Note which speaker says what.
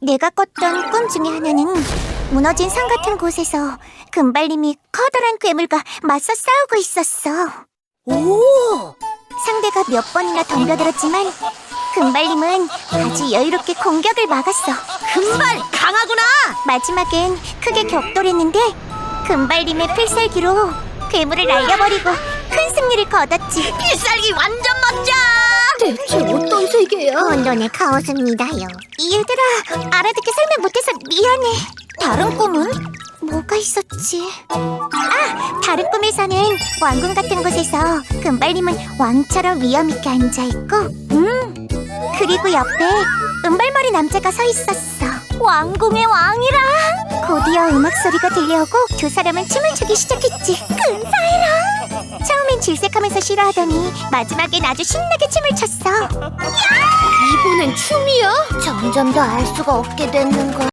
Speaker 1: 내가 꿨던 꿈 중에 하나는 무너진 산 같은 곳에서 금발님이 커다란 괴물과 맞서 싸우고 있었어.
Speaker 2: 오!
Speaker 1: 상대가 몇 번이나 덤벼들었지만 금발님은 아주 여유롭게 공격을 막았어.
Speaker 2: 금발 강하구나!
Speaker 1: 마지막엔 크게 격돌했는데 금발님의 필살기로 괴물을 날려버리고 큰 승리를 거뒀지.
Speaker 2: 필살기 완전 멋져!
Speaker 3: 대체 어떤 세계야?
Speaker 1: 혼돈의 카오스입니다요. 얘들아, 알아듣게 설명 못해서 미안해. 다른 꿈은? 뭐가 있었지? 아! 다른 꿈에서는 왕궁 같은 곳에서 금발님은 왕처럼 위엄있게 앉아있고 그리고 옆에 은발머리 남자가 서 있었어. 왕궁의 왕이라! 곧이어 음악 소리가 들려오고 두 사람은 춤을 추기 시작했지. 근사해라! 처음엔 질색하면서 싫어하더니 마지막엔 아주 신나게 춤을 췄어.
Speaker 3: 이번엔 춤이야?
Speaker 1: 점점 더 알 수가 없게 되는 걸.